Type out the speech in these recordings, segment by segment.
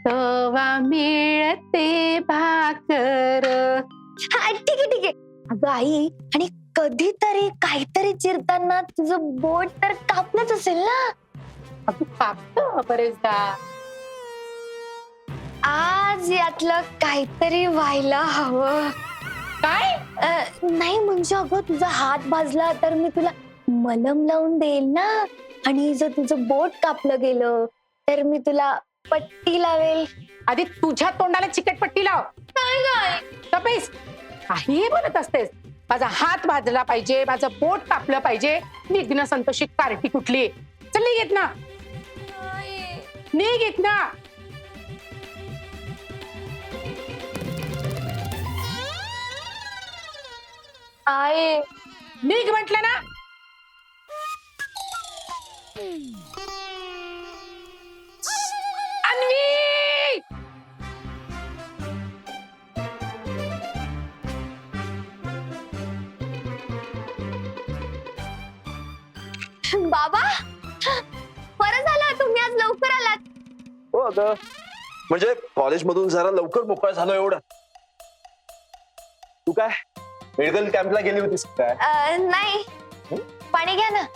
तवा मिळते भाकर. हा, ठीक आहे ठीक आहे. अगं आई, आणि कधीतरी काहीतरी चिरताना तुझं बोट तर कापलंच असेल ना. अगं कापतं बरेचदा. आज यातलं काहीतरी व्हायला हवं. काय? नाही म्हणजे अगं तुझा हात भाजला तर मी तुला मलम लावून देईल ना, आणि जर तुझं बोट कापलं गेलं तर मी तुला पट्टी लावेल. आधी तुझ्या तोंडाला चिकटपट्टी लाव. काय तपेस काहीही बोलत असतेस. माझा हात भाजला पाहिजे, माझं बोट कापलं पाहिजे. निघणं संतोषी कार्टी कुठली. चल निघ येत ना, निघ येत ना. आहे निघ म्हटलं ना. अन्वी, बाबा, बरं झालं तुम्ही आज लवकर आलात. हो अगं, म्हणजे कॉलेजमधून जरा लवकर मोकळा झालो एवढं. तू काय मेडिकल कॅम्पला गेली होतीस काय? नाही, पाणी घ्या ना.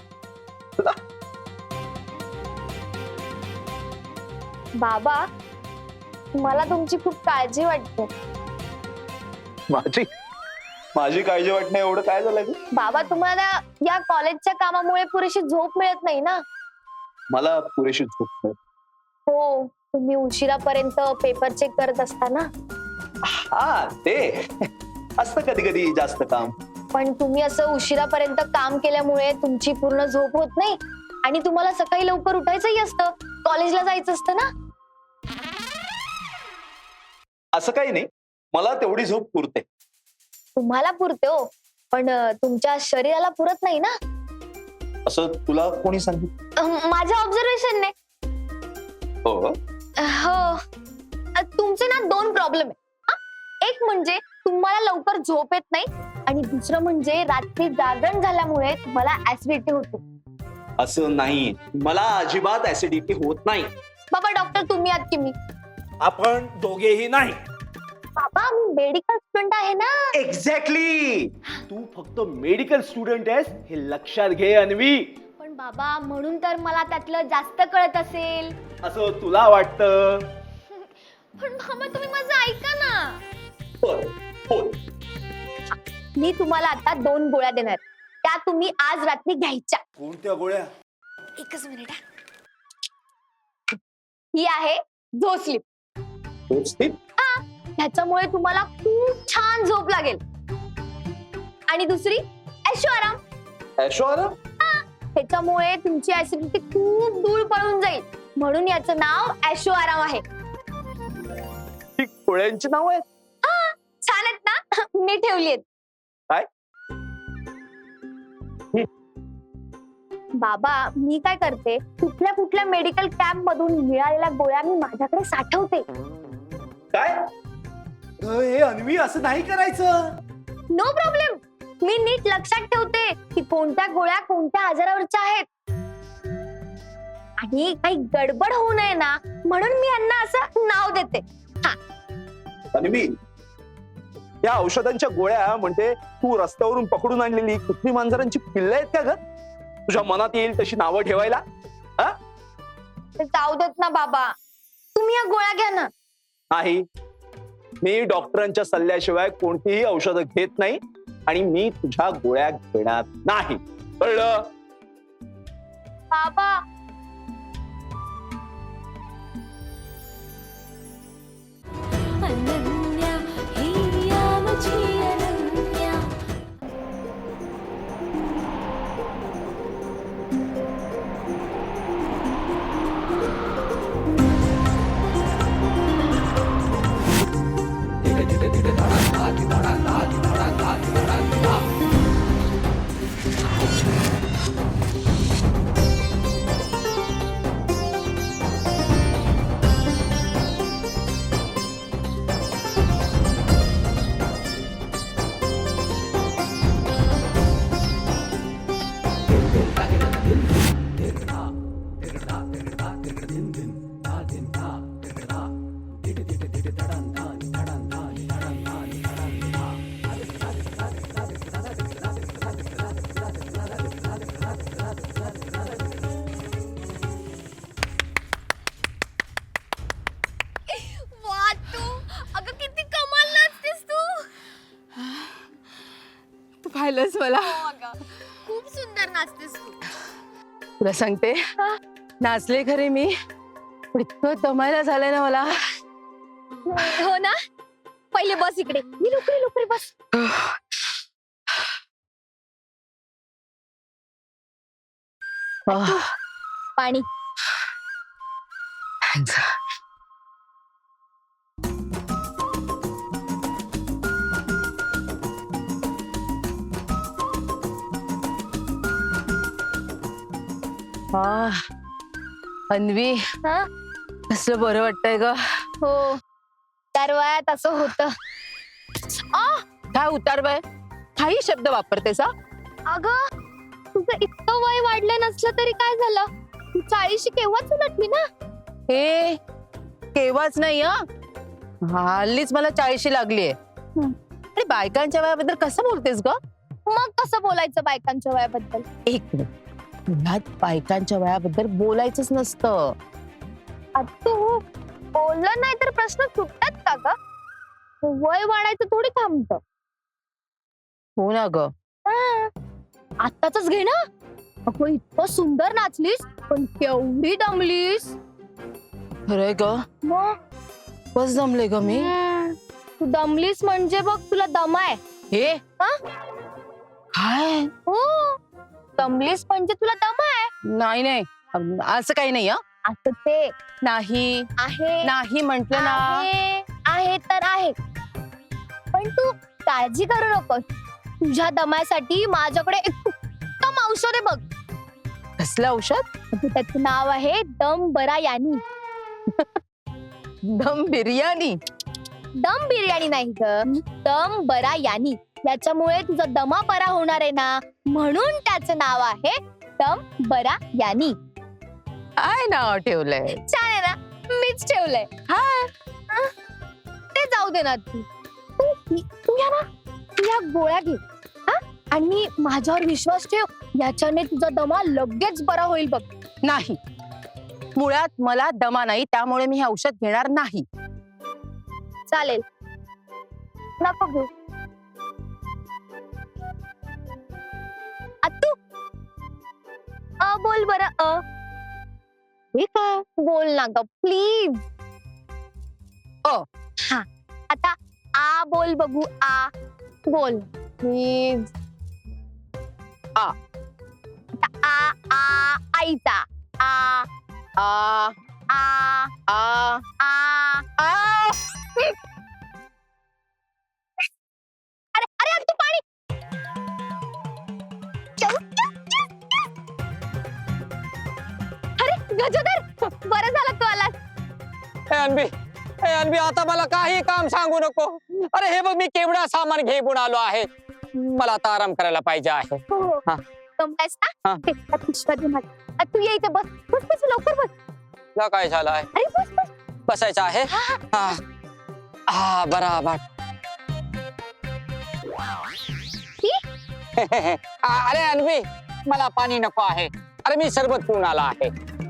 बाबा, मला तुमची खूप काळजी वाटते. माझी काळजी वाटणं एवढं काय झालं ग? बाबा, तुम्हाला या कॉलेजच्या कामामुळे पुरेशी झोप मिळत नाही ना. मला पुरेशी झोप नाही. हो, तुम्ही उशिरापर्यंत पेपर चेक करत असता ना. हा, ते असतं कधी कधी जास्त काम. पण तुम्ही असं उशिरापर्यंत काम केल्यामुळे तुमची पूर्ण झोप होत नाही, आणि तुम्हाला सकाळी लवकर उठायचंही असतं, कॉलेजला जायचं असतं ना. असं काही नाही, मला तेवढी झोप पुरते. तुम्हाला पुरते हो, पण तुमच्या शरीराला पुरत नाही ना. असं तुला कोणी सांगितलं? माझ्या ऑब्झर्वेशनने. हो, हो, तुमचे ना 2 प्रॉब्लेम आहे. एक म्हणजे तुम्हाला लवकर झोप येत नाही, आणि दुसरं म्हणजे रात्री जागरण झाल्यामुळे तुम्हाला ऍसिडिटी होते. असं नाही, मला अजिबात ऍसिडिटी होत नाही. बाबा, डॉक्टर तुम्ही आहात की मी? आपण दोघेही नाही. बाबा, मी मेडिकल स्टुडंट आहे ना. एक्झॅक्टली, तू फक्त मेडिकल स्टुडंट आहेस हे लक्षात घे अन्वी. पण बाबा, म्हणून तर मला त्यातलं जास्त कळत असेल. असं तुला वाटतं? पण बाबा, तुम्ही माझं ऐका ना. हो, मी तुम्हाला आता 2 गोळ्या देणार, त्या तुम्ही आज रात्री घ्यायच्या. कोणत्या गोळ्या? एकच मिनिट. ही आहे झोस्लिप. ह्याच्यामुळे तुम्हाला खूप छान झोप लागेल. आणि दुसरी ऐशो आराम. ऐशोआराम? ह्याच्यामुळे तुमची ऍसिडिटी खूप दूर पळून जाईल, म्हणून याचं नाव ऐशो आराम आहे. ही गोळ्यांची नाव आहेत? छान आहेत ना. मी ठेवली आहेत. काय? बाबा, मी काय करते, कुठल्या कुठल्या मेडिकल कॅम्प मधून मिळालेल्या गोळ्या मी माझ्याकडे साठवते. काय? हे अन्वी, असं नाही करायचं. No problem. मी नीट लक्षात ठेवते की कोणत्या गोळ्या कोणत्या आजारावरच्या आहेत, आणि काही गडबड होऊ नये ना, म्हणून मी यांना असं नाव देते. अन्वी, या औषधांच्या गोळ्या म्हणजे तू रस्त्यावरून पकडून आणलेली कुत्री मांजरांची पिल्लं आहेत का ग? तुझ्या मनात येईल तशी नावं ठेवायला? ते जाऊ देत ना बाबा, तुम्ही या गोळ्या घ्या ना. नाही, मी डॉक्टरांच्या सल्ल्याशिवाय कोणतीही औषधं घेत नाही, आणि मी तुझ्या गोळ्या घेणार नाही, कळलं? बाबा, अनन्या हिया माझी अनन्या. पाहिलंस मला खूप सुंदर नाचतेस तू. तुला सांगते नाचले खरे मी पण इतकं दमायला झालंय ना मला. हो ना. पहिले बस इकडे. मी लवकर बस. पाणी. अन्वी हा? कसलं बरं वाटतंय ग. हो त्या वयात असं होतं. काय उतारवय काही शब्द वापरतेस हा? अगं तुझं इतकं वय वाढलं नसलं तरी काय झालं. तू 40 केव्हाच उलटली ना. हे केव्हाच नाही हल्लीच मला 40 लागलीये. आणि बायकांच्या वयाबद्दल कसं बोलतेस ग. मग कसं बोलायचं बायकांच्या वयाबद्दल. एक मिनिट मुळात बायकांच्या वयाबद्दल बोलायचंच नसतं. तू बोललं नाही तर प्रश्न सुटतात का ग. वय वाढायचं थोडी थांबतं. हो ना ग. आताच घे ना. अगं इतकं सुंदर नाचलीस पण केवढी दमलीस. खरंय ग मग बस जमले ग मी. तू दमलीस म्हणजे बघ तुला दम आहे. हे हा? काय हो दमलीस म्हणजे तुला दम आहे. नाही नाही असं काही नाही असं ते नाही आहे. नाही म्हंटल ना. आहे तर आहे पण तू काळजी करू नकोस. तुझ्या दमासाठी माझ्याकडे एक उत्तम औषध आहे बघ. कसलं औषध. त्याचं नाव आहे दम बरा यानी. दम बिर्याणी. दम बिर्याणी नाही ग दम बरा यानी. याच्यामुळे तुझा दमा बरा होणार आहे ना म्हणून त्याचं नाव आहे दम बरा यानी. काय नाव ठेवलंय. छान आहे ना. मीच ठेवलंय. ते जाऊ दे ना. तू या गोळ्या घे आणि माझ्यावर विश्वास ठेव. याच्याने तुझा दमा लगेच बरा होईल बघ. नाही मुळात मला दमा नाही त्यामुळे मी हे औषध घेणार नाही. चालेल नको घेऊ. तू बोल बरं. हे काय बोल ना ग प्लीज. हा आता आ बोल बघू. आ बोल प्लीज. आ. आ आ आईचा आ आ आ आ आ. आ. अरे अरे तू पाणी. अरे गजोदर बरं झालं तू आलास. अन्वी आता मला काही काम सांगू नको. अरे हे बघ मी केवढा सामान घेऊन आलो आहे. मला आता आराम करायला पाहिजे आहे. हो हा. जमलायस ना. हा. ते, त्या पिशव्या दे मला. तू ये इथे बस बस बस लवकर बस. तुला काय झालं आहे. अरे बस बस. बसायचं आहे. हा हा बराबर. अरे अन्वी मला पाणी नको आहे. अरे मी सरबत पिऊन आला आहे.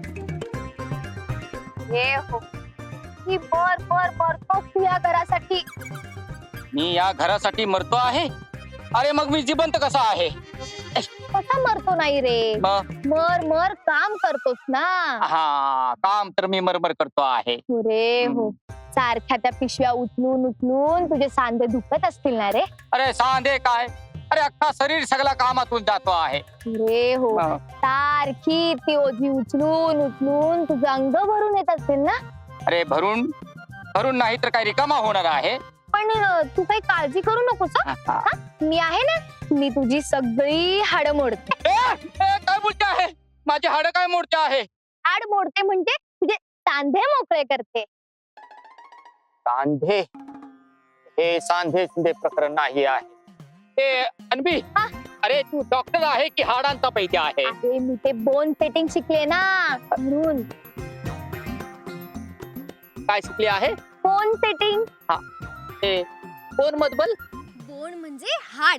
हे हो ही बर तो या घरासाठी. मी या घरासाठी मरतो आहे. अरे मग मी जिवंत कसा आहे. कसा मरतो नाही रे. मर काम करतोस ना. हा काम तर मी मरमर करतो आहे. रे हो सारख्या त्या पिशव्या उचलून तुझे सांधे दुखत असतील ना रे. अरे सांधे काय. अरे अख्खा शरीर सगळा कामातून जातो आहे. रे हो सारखी ती ओझी उचलून तुझं अंग भरून येत असतील ना. अरे भरून नाही तर काय रिकामा होणार आहे. पण तू काही काळजी करू नकोस. मी आहे ना. मी तुझी सगळी हाड मोडते. काय बोलते आहे. माझी हाड काय मोडते आहे. हाड मोडते म्हणजे तुझे सांधे मोकळे करते. सांधे हे सांधे प्रकरण नाही आहे. अन्वी अरे तू डॉक्टर आहे की हाडांचा पैकी आहे. अरे मी ते बोन सेटिंग शिकले ना म्हणून. काय शिकली आहे. Bone setting. हा ते कोण मधबल. बोन म्हणजे हाड.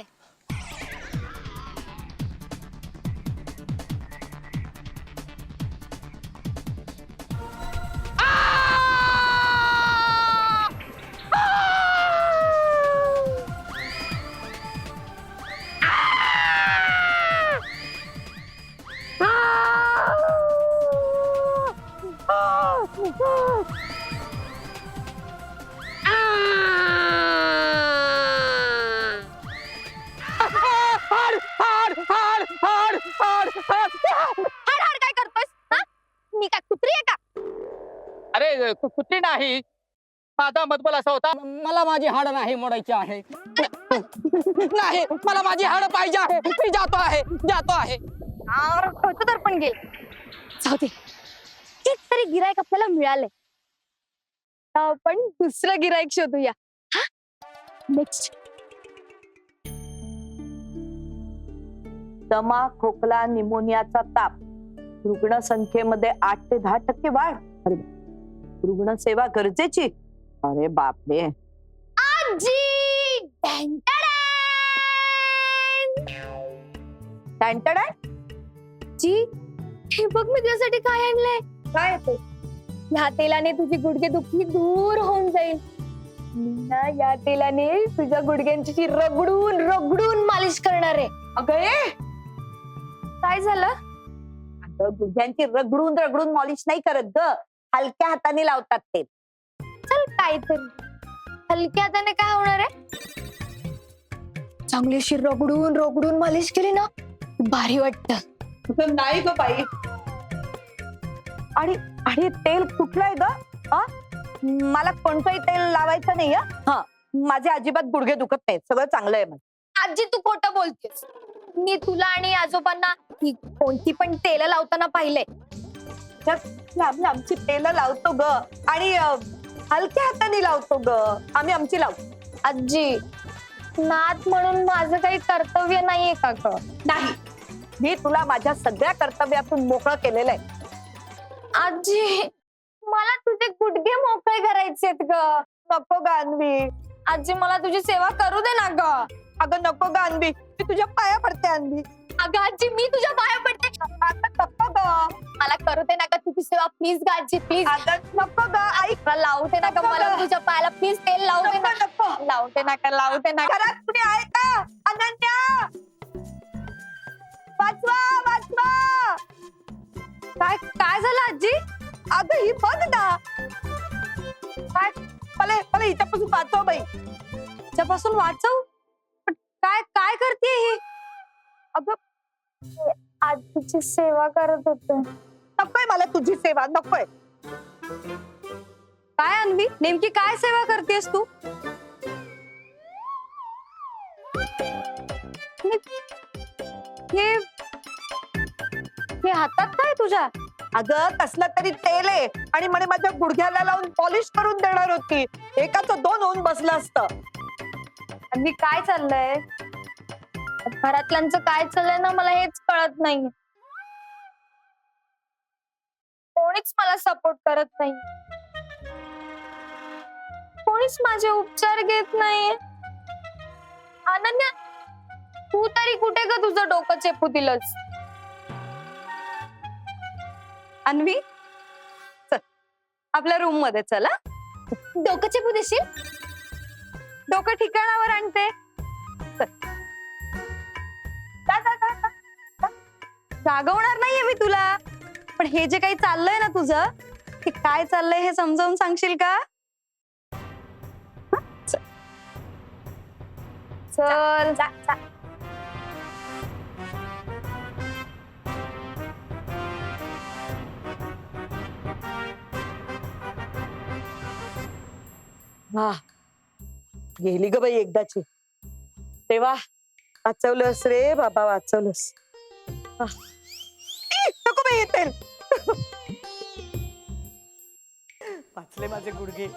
कुठली नाही. माझा मतबल असा होता, मला माझी हाड नाही मोडायची आहे. नाही, मला माझी हाड पाहिजे आहे. मी जातो आहे. तर पण गेल. जाऊ दे, एक तरी गिरायक आपल्याला मिळालंय. आता आपण दुसरं गिरायक शोधूया. नेक्स्ट. दमा, खोकला, निमोनियाचा ताप, रुग्ण संख्येमध्ये 8 ते 10% वाढ. अरे, रुग्णसेवा गरजेची. अरे बापरे. आजी! टँटडाय. जी, हे बघ मी तुझ्यासाठी काय आणलंय. काय ते? ह्या तेलाने तुझी गुडघेदुखी दूर होऊन जाईल. मी ना या तेलाने तुझ्या गुडघ्यांची रगडून रगडून मालिश करणार आहे. अगं, काय झालं? अगं, गुडघ्यांची रगडून रगडून मॉलिश नाही करत ग, हलक्या हाताने लावतात ते. चल काहीतरी. हलक्या हाताने काय होणार आहे? चांगली अशी रगडून रगडून मालिश केली ना, भारी वाटत. नाही ग बाई. आणि आणि तेल कुठलं आहे ग? मला कोणतंही तेल लावायचं नाही. हा, माझे अजिबात गुडघे दुखत नाहीत, सगळं चांगलं आहे माझं. आजी, तू खोटं बोलतेस. मी तुला आणि आजोबांना ही कोणती पण तेल लावताना पाहिलंय. आमची तेल लावतो ग, आणि हलक्या हाताने लावतो ग. आम्ही आमची लावतो. आजी, नात म्हणून माझं काही कर्तव्य नाहीये का ग? नाही, मी तुला माझ्या सगळ्या कर्तव्यातून मोकळं केलेलं आहे. आजी, मला तुझे गुडघे मोकळे करायचेत ग. नको ग अन्वी. आजी, मला तुझी सेवा करू दे ना ग. अगं नको ग अन्वी, मी तुझ्या पाया पडते अन्वी. अगं आजी, मी तुझ्या पाया पडते. आता नको ग. मला करू दे ना ग तुझी सेवा, प्लीज ग आजी, प्लीज. अगं नको ग, ऐक. मला लावू दे ना ग, नको मला ग. तुझ्या पायाला प्लीज तेल लावू दे ना. नको, नको. लावू दे ना ग, लावू दे ना. घरात कुणी आहे का? अनन्या, वाचवा वाचवा. काय काय झालं आजी? अगं, ही बघ ना. काय? मला मला हिच्यापासून वाचव बाई. त्यापासून वाचव? पण काय काय करते ही? अगं, आजीची सेवा करत होते. नकोय मला तुझी सेवा, नकोय. काय अन्वी, नेमकी काय सेवा करतेस तू? हे हातात काय तुझ्या? अगं, कसलं तरी तेल आहे, आणि म्हणे माझ्या गुडघ्याला लावून पॉलिश करून देणार होती. एकाचं 2 होऊन बसलं असतं. अन्वी, काय चाललंय? घरातल्यांचं काय चाललंय ना, मला हेच कळत नाही. कोणीच मला सपोर्ट करत नाही. कोणीच माझे उपचार घेत नाही. अनन्या, तू तरी कुठे ग तुझं डोकं चेपू दिलंस? अन्वी, चल आपल्या रूम मध्ये चल. डोकं चेपू देशील? डोकं ठिकाणावर आणते. जागवणार नाहीये मी तुला, पण हे जे काही चाललंय ना तुझं, ते काय चाललंय हे समजावून सांगशील का? चल. वा, गेली ग बाई एकदाची. तेव्हा वाचवलंस रे बाबा, वाचवलंस. नको बाई येतील. वाचले माझे गुडघे.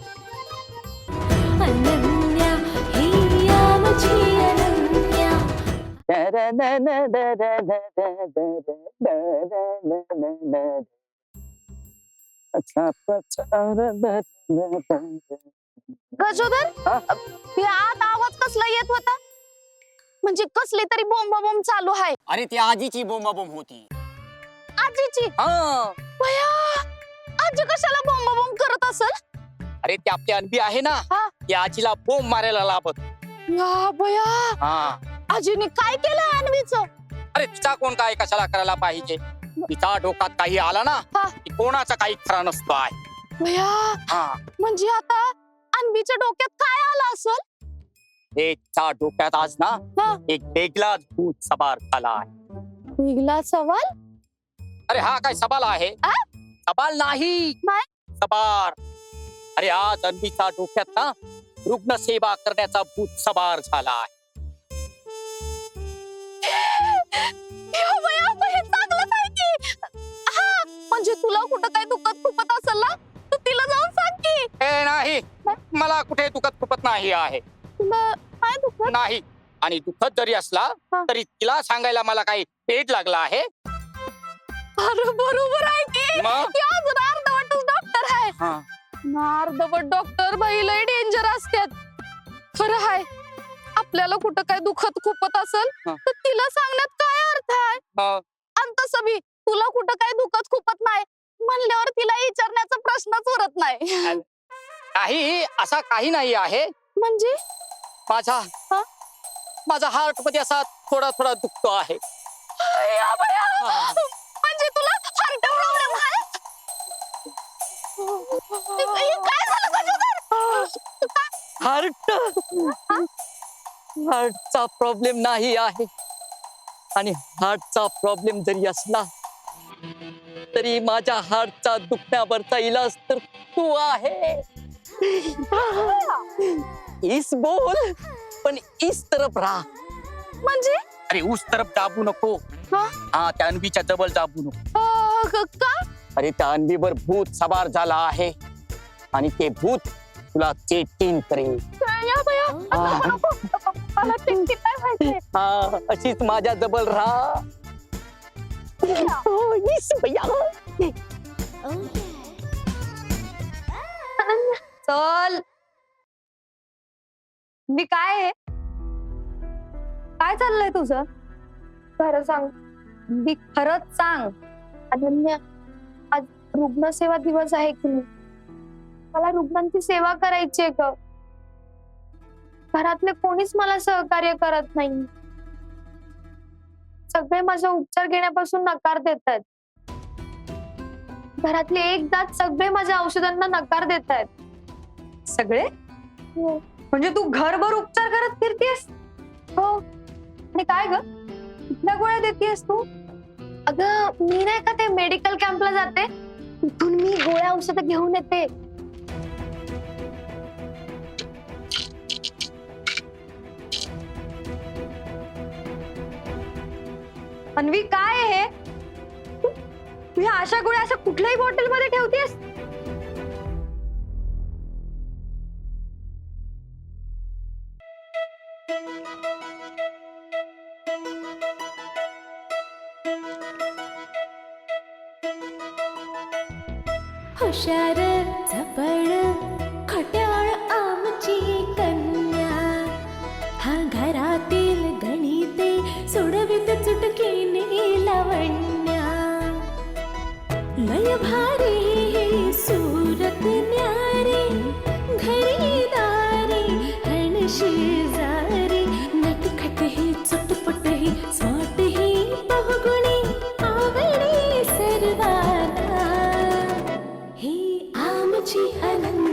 अनन्या हिया मुझी अनन्या. गजोदर, यात आवाज कसला येत होता? म्हणजे कसली तरी बोंबाबोंब चालू आहे. अरे, ती आजीची बोंबाबोंब होती. आजीची? हा. भया, आजी कशाला बोंबाबोंब करत असेल? अरे, ती आपली अन्वी आहे ना, हा. ती आजीला बोंब मारायला लाभत. या भया, हा. आजीने काय केलं अन्वीचं? अरे, तिचा कोण काय कशाला करायला पाहिजे? तिचा डोक्यात काही आला ना, हा. की कोणाचा काही खरा नसतो आहे. भया, हा. म्हणजे आता अन्वीच्या डोक्यात काय आलं असेल? तिच्या डोक्यात आज ना हा. एक वेगळाच भूत सवार झाला आहे. वेगळा सवाल? अरे, हा काय सवाल आहे? आ? सवाल नाही, सवार. अरे आज अन्वीचा डोक्यात ना रुग्णसेवा करण्याचा भूत सवार झाला आहे. म्हणजे तुला कुठं काय दुखत खुपत असेल ना तू तिला जाऊन सांग की. हे नाही, मला कुठे दुखत खुपत नाही आहे. तुला काय दुखत नाही, आणि दुखत जरी असला हा. तरी तिला सांगायला मला काही पेट लागला आहे. अरे बरोबर आहे की मग? ती अजून अर्धवटच डॉक्टर आहे. हा. अर्धवट डॉक्टर बाई लय डेंजर असतात. खरं आहे, आपल्याला कुठं काय दुखत खुपत असेल हा. तर तिला सांगण्यात काय अर्थ आहे. मग आणि तसं बी तुला कुठं काय दुखत खुपत नाही म्हणल्यावर तिला विचारण्याचा प्रश्नच उरत नाही. काही असा काही नाही आहे. म्हणजे माझा हा? माझा हार्ट मध्ये असा थोडा थोडा दुखतो आहे. या बया. हा. म्हणजे तुला हार्ट प्रॉब्लेम आहे. काय झालं गजोदर? हार्टचा प्रॉब्लेम नाही आहे, आणि हार्टचा प्रॉब्लेम जरी असला तरी माझ्या हार्टचा दुखण्यावरचा इलाज तर तू आहे. इस बोल, पण इस तरफ राहा. म्हणजे अरे उस तरफ दाबू नको. हा? हा, त्या अन्वीच्या जवळ दाबू नको. का अरे त्या अन्वीवर भूत सवार झाला आहे, आणि ते भूत तुला चेटीन करेल. या बया. मला टिंकी काय व्हायचंय. हा, अशीच माझ्या जवळ राहा. हो, इस बया. चल. मी काय आहे? काय चाललंय तुझं? खरं सांग. मी खरंच सांग. अनन्या, आज रुग्णसेवा दिवस आहे की नाही? मला रुग्णांची सेवा करायची आहे ग. घरातले कोणीच मला सहकार्य करत नाही. सगळे माझा उपचार घेण्यापासून नकार देतात. घरातले एक जात सगळे माझ्या औषधांना नकार देतात. सगळे? म्हणजे तू घरभर उपचार करत फिरतेस? हो. आणि काय ग, कुठल्या गोळ्या देतेस तू? अगं मी नाही का ते मेडिकल कॅम्पला जाते, तिथून मी गोळ्या औषधं घेऊन येते. अन्वी, काय आहे हे? तू ह्या अशा गोळ्या अशा कुठल्याही बॉटल मध्ये ठेवतेस? हुशार झपड खट्याळ आमची कन्या, हा घरातील गणिते सोडवित चुटकीने लावण्या. लय भारी ही सूरत न्यारी, घरी दारी हण शेजारी, नटखट ही चटपट ही स्मार्ट ही बहुगुणी आवडी सर्वांना. ही आमची अनन्या.